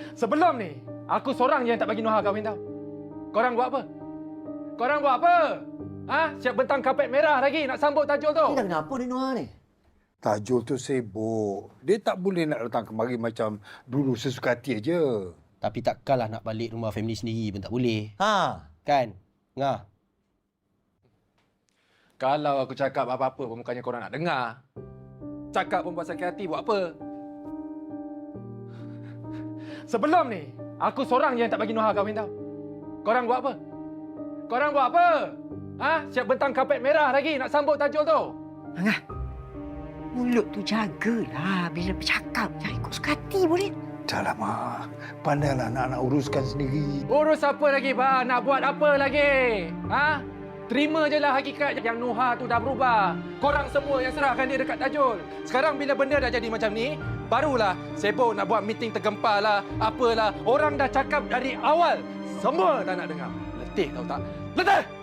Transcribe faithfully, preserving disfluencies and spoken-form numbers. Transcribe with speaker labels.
Speaker 1: Sebelum ni, aku seorang je yang tak bagi Noha kahwin tau. Korang buat apa? Korang buat apa? Ha? Siap bentang kapet merah lagi nak sambut Tajul tu.
Speaker 2: Ni dah kenapa ni Noha ni?
Speaker 3: Tajul tu sibuk. Dia tak boleh nak datang kemari macam dulu sesuka hati aja.
Speaker 4: Tapi takkanlah nak balik rumah family sendiri pun tak boleh.
Speaker 2: Ha.
Speaker 4: Kan? Ngah.
Speaker 1: Kalau aku cakap apa-apa pun bukannya korang nak dengar. Cakap pun buat sakit hati, buat apa? Sebelum ni, aku seorang je yang tak bagi Noha kahwin tau. Korang buat apa? Korang buat apa? Ha? Siap bentang kapet merah lagi nak sambut Tajul tu.
Speaker 5: Angah, mulut tu jagalah bila bercakap. Jangan ikut suka hati boleh.
Speaker 3: Dah lama. Pandailah nak-nak uruskan sendiri.
Speaker 1: Urus apa lagi, bah? Nak buat apa lagi? Ha? Terima je lah hakikat yang Noha tu dah berubah. Korang semua yang serahkan dia dekat Tajul. Sekarang bila benda dah jadi macam ni, barulah sibuk nak buat meeting tergempar lah, apalah. Orang dah cakap dari awal. Semua tak nak dengar. Letih tahu tak? Letih!